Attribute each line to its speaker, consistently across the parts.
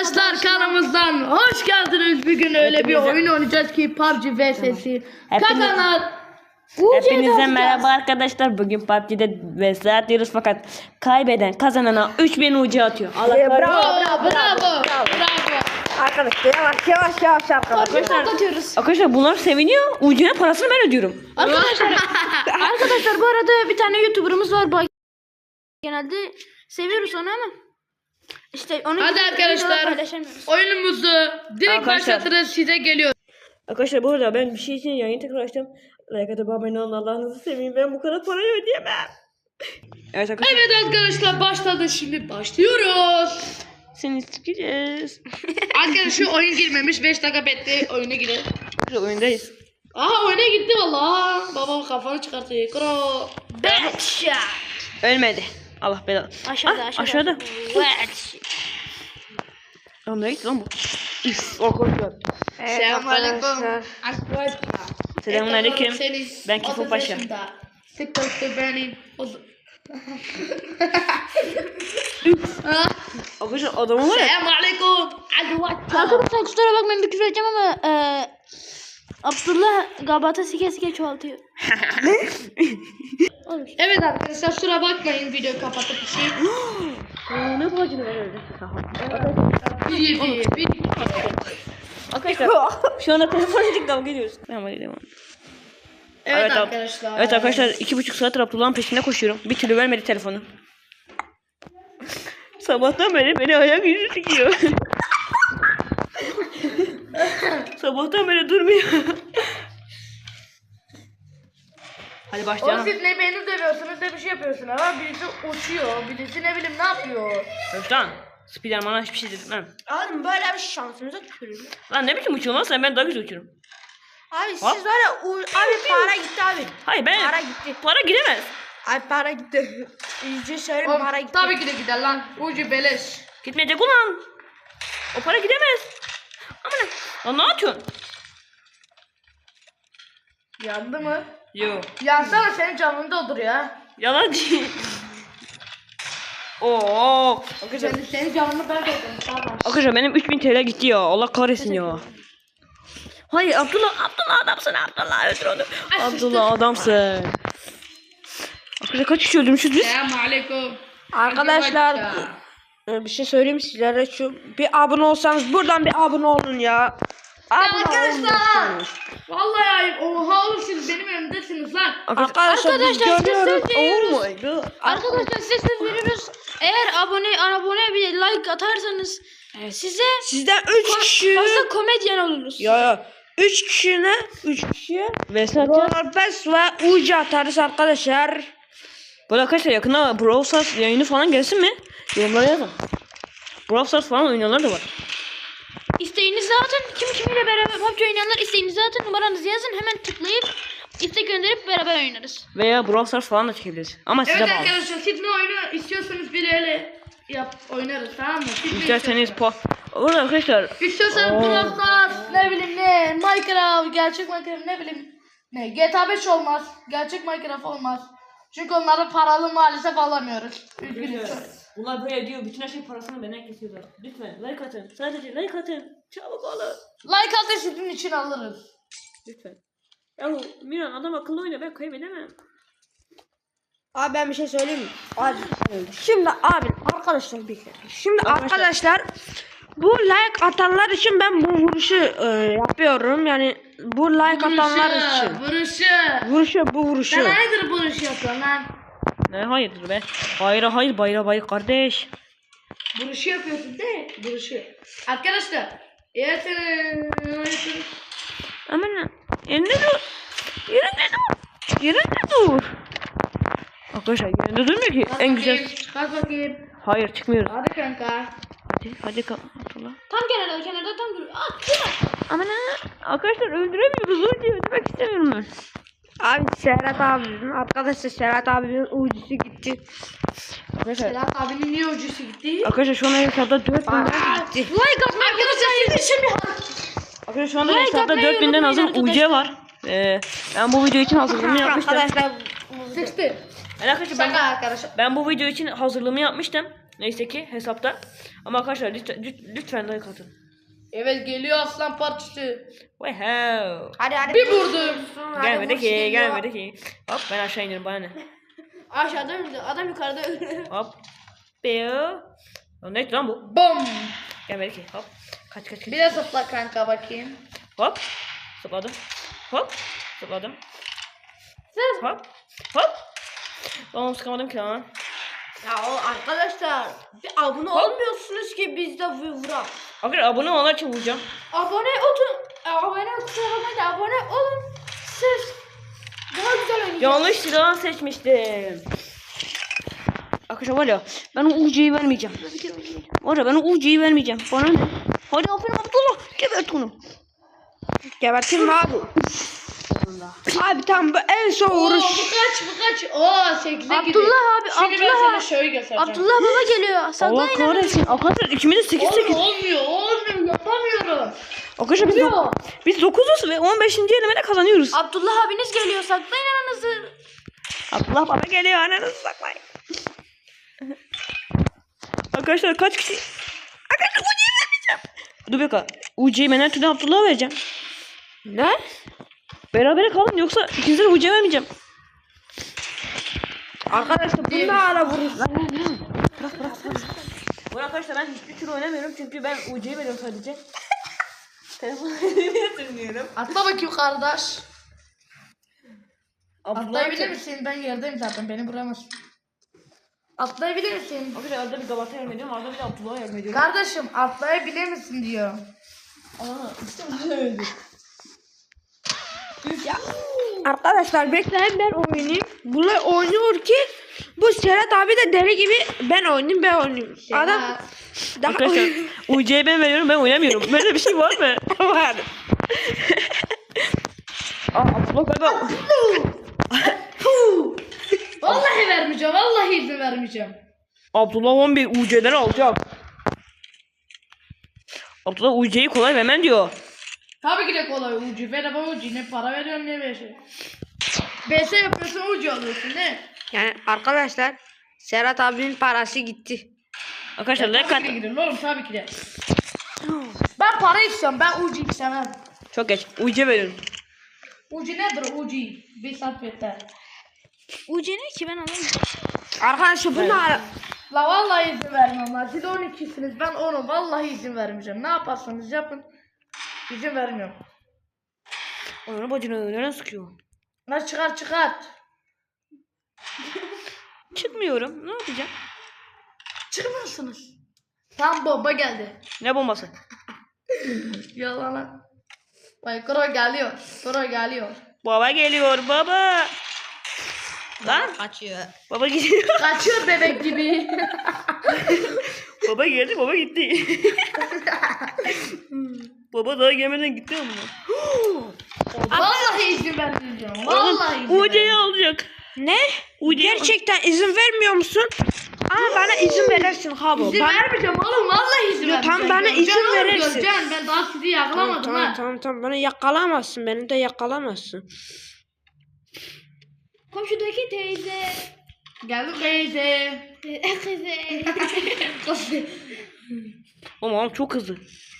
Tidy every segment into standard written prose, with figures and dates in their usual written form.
Speaker 1: arkadaşlar kanalımızdan hoş geldiniz. Bugün öyle bir oyun oynayacağız ki PUBG vs'si. Kazanan
Speaker 2: Hepinize merhaba arkadaşlar. Bugün PUBG'de vs atıyoruz fakat kaybeden kazanana 3000 UC atıyor. Allah
Speaker 1: bravo.
Speaker 3: Arkadaşlar yavaş
Speaker 2: Arkadaşlar bunlar seviniyor. UC'nin parasını ben ödüyorum.
Speaker 3: Arkadaşlar bu arada bir tane YouTuber'ımız var. Genelde seviyoruz onu ama işte onu
Speaker 1: Hadi arkadaşlar oyunumuzu direkt
Speaker 2: Arkadaşlar.
Speaker 1: başlatırız, size geliyor.
Speaker 2: Arkadaşlar bu arada ben bir şey için yayını tekrar açtım. Like atıp abone olun, Allah'ınızı seveyim. Ben bu kadar parayı ödeyemem. Evet arkadaşlar.
Speaker 1: Evet arkadaşlar başladı, şimdi başlıyoruz.
Speaker 2: Seni sikeceğiz.
Speaker 1: Arkadaşlar oyun girmemiş, 5 dakika bekle oyuna girelim.
Speaker 2: Oyundayız.
Speaker 1: Aha oyuna gitti valla. Baba kafanı çıkartıyor. Kro.
Speaker 2: Ölmedi. Allah belanı. Aşağıda. Lan nereye gitti lan bu? Üf, arkadaşlar.
Speaker 1: Selamünaleyküm.
Speaker 2: Selamünaleyküm. Ben Kifo Paşa.
Speaker 1: TikTok'ta benim.
Speaker 2: Arkadaşlar adamı var ya.
Speaker 1: Selamünaleyküm.
Speaker 3: Arkadaşlar kusura bakmayın bir küfür edeceğim ama Abdullah gabata sike çoğaltıyor.
Speaker 1: Evet arkadaşlar kusura bakmayın, video kapatıp bir şey.
Speaker 2: Ne bacını var öyle?
Speaker 1: Bir.
Speaker 2: Arkadaşlar şu anda telefonla kavga ediyoruz. Tamam hadi devam.
Speaker 1: Evet arkadaşlar.
Speaker 2: Evet arkadaşlar 2,5 saattir Abdullah'ın peşinde koşuyorum. Bir türlü vermedi telefonu. Sabahtan beri beni ayak yüzü sikiyor. Sabahtan beri durmuyor. Hadi
Speaker 1: O
Speaker 2: başlayalım.
Speaker 1: siz ne beni dövüyorsunuz ne bir şey yapıyorsunuz ama birisi uçuyor, birisi ne bileyim ne yapıyor.
Speaker 2: Lan Spiderman'a hiçbir şey dedim.
Speaker 3: Oğlum böyle bir şansımıza tükürüyor.
Speaker 2: Lan ne biçim uçuyorsun lan sen, ben daha güzel uçuyorum.
Speaker 3: Abi siz var ya abi para gitti abi.
Speaker 2: Hayır ben
Speaker 3: Para gitti.
Speaker 2: para gidemez.
Speaker 3: Abi para gitti. İyice söyleyeyim
Speaker 1: Oğlum,
Speaker 3: para gitti.
Speaker 1: tabii ki de gider lan. Ucu beleş.
Speaker 2: Gitmeyecek ulan. O para gidemez. Aman lan ne yapıyorsun?
Speaker 1: Yandı mı?
Speaker 2: Yo.
Speaker 1: Yansana, senin canını dolduruyor ha.
Speaker 2: Yalancı. Oo.
Speaker 1: Senin canını ben doldurdum. Tamam.
Speaker 2: Arkadaşlar benim 3000 TL gitti ya. Allah kahretsin ya. Hayır Abdullah adamsın, Abdullah öldür onu. Abdullah adamsın. Arkadaşlar kaç kişi öldürmüşüz biz?
Speaker 1: Selamünaleyküm.
Speaker 3: Arkadaşlar bir şey söyleyeyim sizlere, şu bir abone olsanız buradan bir abone olun ya.
Speaker 1: Arkadaşlar. Vallahi ayıp. Oha oğlum, siz benim önümdesiniz lan.
Speaker 3: Arkadaşlar
Speaker 2: görüyoruz. Oh my god.
Speaker 3: Arkadaşlar size söz veriyoruz. Eğer abone bir like atarsanız size
Speaker 2: Sizden 3 kişi.
Speaker 3: fazla komedyen oluruz.
Speaker 2: Ya 3 kişiye Vesat
Speaker 3: Rolerbest ve Ucu atarız arkadaşlar.
Speaker 2: böyle arkadaşlar yakında Brawl Stars yayını falan gelsin mi? Yorumlara yazın. Brawl Stars falan oynayanlar da var.
Speaker 3: İsteğinizi atın. Kimiyle beraber PUBG oynayanlar isteğinizi atın. Numaranızı yazın. Hemen tıklayıp istek gönderip beraber oynarız.
Speaker 2: Veya Brawl Stars falan da çekebiliriz. Ama size
Speaker 1: Evet
Speaker 2: bağlı.
Speaker 1: arkadaşlar, siz ne oyunu istiyorsanız bir ele oynarız, tamam mı? Siz ne
Speaker 2: İsterseniz
Speaker 1: istiyorsanız.
Speaker 2: Orada arkadaşlar
Speaker 1: İstiyorsanız Brawl Stars, ne bileyim ne, Minecraft, gerçek Minecraft, ne bileyim ne, GTA 5 olmaz, gerçek Minecraft olmaz. Çünkü onları paralı maalesef alamıyoruz. Üzgünüm.
Speaker 2: bunlar böyle diyor, bütün her şey parasını benden kesiyorlar. Lütfen like atın. Sadece like atın. Çabuk olun.
Speaker 1: Like atı sizin için alırız.
Speaker 2: Lütfen. Yahu Miran adam akıllı oyna, ben kaybedemem.
Speaker 3: Abi ben bir şey söyleyeyim mi? Abi şimdi abi arkadaşlar bir kere. Şimdi arkadaşlar bu like atanlar için ben bu vuruşu yapıyorum. Yani bu like atanlar için. Bu vuruşu.
Speaker 1: Sen hayırdır vuruş yapıyorsun lan?
Speaker 2: Ne hayırdır be? Hayır bayra kardeş.
Speaker 1: Vuruşu yapıyorsun de, vuruşu. Arkadaşlar, eğer sen
Speaker 2: Aman yerinde dur. Yerinde dur. Arkadaşlar yerinde durmuyor ki. En güzel.
Speaker 1: Kalk bakayım.
Speaker 2: Hayır çıkmıyoruz.
Speaker 1: Hadi kanka.
Speaker 2: Hadi Abdullah.
Speaker 3: Tam kenarda tam dur.
Speaker 2: Aman arkadaşlar öldüremiyoruz. Öldürmek istemiyorum ben.
Speaker 3: Abi Serhat abinin arkadaşlar Serhat abinin ucusu gitti.
Speaker 2: Arkadaşlar,
Speaker 1: Sedat abinin niye ucusu gitti?
Speaker 2: arkadaşlar şu anda hesapta 4000
Speaker 3: Gitti.
Speaker 1: Like atın arkadaşlar, sizin için bir
Speaker 2: Arkadaşlar şu anda
Speaker 3: Like
Speaker 2: hesapta
Speaker 3: atmayı
Speaker 2: 4000'den azın
Speaker 3: unutmayın
Speaker 2: UC var. Ben bu video için hazırlığımı yapmıştım.
Speaker 3: Arkadaşlar
Speaker 1: sıçtı.
Speaker 2: Arkadaşlar
Speaker 1: Şaka arkadaşlar.
Speaker 2: ben bu video için hazırlığımı yapmıştım. Neyse ki hesapta. Ama arkadaşlar lütfen like atın.
Speaker 1: Evet geliyor aslan parçası.
Speaker 2: Wow.
Speaker 3: Hadi.
Speaker 1: Bir vurdum.
Speaker 2: Gelmedi ki. Hop ben aşağı iniyorum bana ne.
Speaker 3: Aşağıda öldü. Adam yukarıda öldü.
Speaker 2: Hop. Biu. Lan neydi lan bu?
Speaker 1: Bum.
Speaker 2: Gelmedi ki. Hop. Kaç.
Speaker 1: Bir de zıpla kanka bakayım.
Speaker 2: Hop. Zıpladım. Hop. Zıpladım.
Speaker 1: Zıp.
Speaker 2: Hop. Oğlum sıkamadım ki lan.
Speaker 3: Ya o arkadaşlar bir abone olmuyorsunuz ki biz de vurak.
Speaker 2: Arkadaşlar abone olanlar için vuracağım.
Speaker 3: Abone olun. Siz daha güzel oynayacaksınız.
Speaker 2: Yanlış silah seçmiştim. Arkadaşlar var ya ben o UC'yi vermeyeceğim. Var ya ben o UC'yi vermeyeceğim. Bana ne? Hadi aferin Abdullah. Gebert onu.
Speaker 3: Gebertin mi abi? Abi tam bu en son vuruş.
Speaker 1: Bu kaç? Oo 8'e gidiyor.
Speaker 3: Abdullah abi,
Speaker 1: Şimdi ben
Speaker 3: Abdullah.
Speaker 1: sana şöyle göstereceğim.
Speaker 3: Abdullah baba geliyor.
Speaker 2: Allah
Speaker 3: Saklayın.
Speaker 2: kahretsin. Arkadaşlar ikimiz de 8-8.
Speaker 1: Olmuyor yapamıyorum.
Speaker 2: Arkadaşlar biz 9'uz ve 15. elemede kazanıyoruz.
Speaker 3: Abdullah abiniz geliyor. Saklayın aranızı.
Speaker 2: Abdullah baba geliyor ananızı saklayın. Arkadaşlar kaç kişi? Arkadaşlar UC'yi vermeyeceğim. Dur bir dakika. UC'yi ben her türlü Abdullah'a vereceğim.
Speaker 3: Ne?
Speaker 2: Berabere kalın yoksa ikinize de UC'yi vermeyeceğim.
Speaker 3: Arkadaşlar bunu da ara vuruş.
Speaker 2: Bu arkadaşlar ben hiçbir türlü oynamıyorum çünkü ben UC'yi veriyorum sadece. Telefonu sürmüyorum.
Speaker 1: Atla bakayım kardeş.
Speaker 2: Abdullah
Speaker 1: Atlayabilir misin? Ben yerdeyim zaten beni vuramazsın. Atlayabilir misin?
Speaker 2: Arkadaşlar arada bir Gabat'a yardım ediyorum, arada bir de Abdullah'a yardım ediyorum.
Speaker 1: Kardeşim atlayabilir misin diyor.
Speaker 2: Aa, işte öyle.
Speaker 3: Ya. Arkadaşlar bekleyin ben oynayayım. Bunlar oynuyor ki bu Serhat abi de deli gibi ben oynayayım. Adam daha
Speaker 2: Arkadaşlar UC'yi ben veriyorum, ben oynamıyorum. Böyle bir şey var mı?
Speaker 3: var.
Speaker 2: Aa, Abdullah galiba.
Speaker 1: Vallahi vermeyeceğim. Vallahi izin vermeyeceğim.
Speaker 2: Abdullah 11 UC'leri alacak. Abdullah UC'yi kolay vermem diyor.
Speaker 1: Tabii ki de kolay ucu. Ver bana ucu. Ne para veriyorsun ne bir şey. BS yapıyorsun ucu alıyorsun ne?
Speaker 3: Yani arkadaşlar Serhat abinin parası gitti.
Speaker 2: Arkadaşlar like
Speaker 1: Tabii ki de
Speaker 2: at.
Speaker 1: gidiyorum oğlum tabii ki de. Ben para istiyorum. Ben ucu istemem.
Speaker 2: Çok geç. UC veriyorum.
Speaker 1: Ucu nedir ucu? Bir saat yeter.
Speaker 3: Ucu ne ki ben alayım. Arkadaşlar bunu ara.
Speaker 1: La vallahi izin vermem lan. Siz 12'siniz ben 10'um. Vallahi izin vermeyeceğim. Ne yaparsanız yapın. İzin vermiyorum.
Speaker 2: Onu bacını nereden sıkıyor?
Speaker 1: Lan çıkart.
Speaker 2: Çıkmıyorum. Ne yapacağım?
Speaker 1: Çıkmıyorsunuz. Tam bomba geldi.
Speaker 2: Ne bombası?
Speaker 1: Yalan. Vay Koro geliyor.
Speaker 2: Baba geliyor baba. Lan
Speaker 3: Kaçıyor.
Speaker 2: baba gidiyor.
Speaker 1: Kaçıyor bebek gibi.
Speaker 2: Baba geldi baba gitti. Baba daha gelmeden gitti ama.
Speaker 1: Vallahi izin vermeyeceğim. Vallahi izin
Speaker 2: UC'yi alacak.
Speaker 3: Ne?
Speaker 2: UC'yi
Speaker 3: Gerçekten izin vermiyor musun? Ama bana izin verirsin habo.
Speaker 1: İzin vermeyeceğim oğlum. Vallahi izin
Speaker 3: Yo,
Speaker 1: vermeyeceğim.
Speaker 3: tam bana izin
Speaker 1: Göreceksin oğlum,
Speaker 3: verirsin.
Speaker 1: göreceksin. Ben daha sizi yakalamadım ha.
Speaker 3: Tamam bana yakalamazsın. Beni de yakalamazsın.
Speaker 4: Komşudaki teyze.
Speaker 1: Geldim teyze.
Speaker 4: Kızı.
Speaker 2: Oğlum çok hızlı.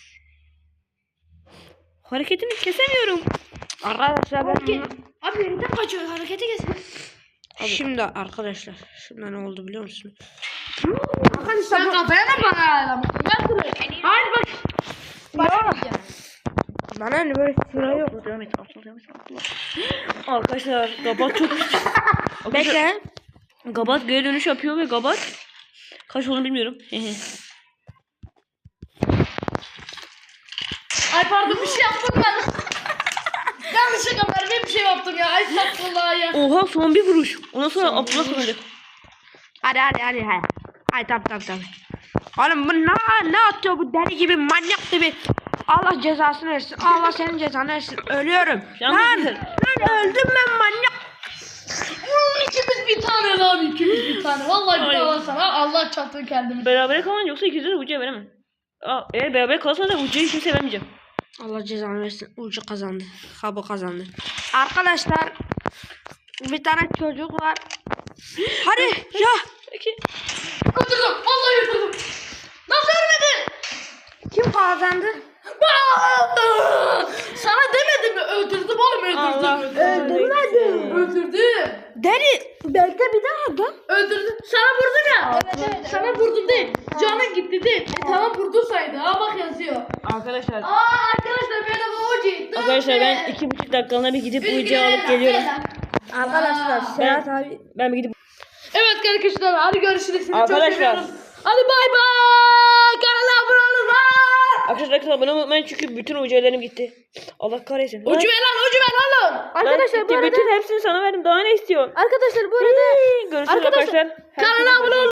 Speaker 2: Hareketini kesemiyorum.
Speaker 3: Arkadaşlar ben
Speaker 4: Abi yerinden kaçıyor. Harekete geçsin.
Speaker 3: şimdi arkadaşlar şimdi ne oldu biliyor musun?
Speaker 1: Sen kafaya mı bana ayarlamışsın? Ben kırıyorum. Hayır bak.
Speaker 3: Bana ne böyle sıra yok.
Speaker 2: Devam et. Arkadaşlar Gabat çok
Speaker 3: Bekle.
Speaker 2: Gabat geri dönüş yapıyor ve Gabat kaç olduğunu bilmiyorum.
Speaker 1: Ay pardon bir şey yaptım ben. Yanlışlıkla mermiye bir şey yaptım ya. Ay saçmallah ya.
Speaker 2: Oha son bir vuruş. Ondan sonra Abdullah kazanacak.
Speaker 3: Hadi. Ay tamam. Oğlum bu ne atıyor bu deli gibi manyak gibi. Allah cezasını versin. Allah senin cezanı versin. Ölüyorum. Lan öldüm ben manyak.
Speaker 1: İkimiz bir tane lan ikimiz bir tane. Vallahi bir tane sana Allah çarptı kendimi.
Speaker 2: Berabere kalan yoksa ikizleri UC'ye veremem. Eğer beraber kalırsa da UC'yi kimseye vermeyeceğim.
Speaker 3: Allah cezanı versin. Ucu kazandı. Habo kazandı. Arkadaşlar bir tane çocuk var. Hadi ya.
Speaker 2: Peki.
Speaker 1: Öldürdüm. Vallahi öldürdüm. Nasıl ölmedi?
Speaker 3: Kim kazandı?
Speaker 1: Sana demedim mi? Öldürdüm oğlum öldürdüm. Öldürdüm.
Speaker 3: Deli bekle bir daha da.
Speaker 1: Öldürdüm. Sana vurdum ya. Evet. Sana vurdum değil. Canın gitti değil. Tamam vurdun saydı. Ha bak yazıyor.
Speaker 2: Arkadaşlar.
Speaker 1: Arkadaşlar benim Uci.
Speaker 2: Arkadaşlar ben 2,5 dakikalığına bir gidip Ucu'yu alıp geliyorum.
Speaker 3: Arkadaşlar Serhat abi.
Speaker 2: Ben bir gidip.
Speaker 1: Evet arkadaşlar hadi görüşürüz. Sizi çok
Speaker 2: Arkadaşlar.
Speaker 1: seviyorum. Hadi bay bay. Kanala abone olun lan.
Speaker 2: Arkadaşlar abone olmayı unutmayın çünkü bütün Ucu'larım gitti. Allah kahretsin.
Speaker 1: Ucu ver lan oğlum.
Speaker 3: Arkadaşlar bu arada
Speaker 2: bütün hepsini sana verdim. Daha ne istiyorsun?
Speaker 3: arkadaşlar bu arada
Speaker 2: Görüşürüz arkadaşlar.
Speaker 1: Kanala abone olun.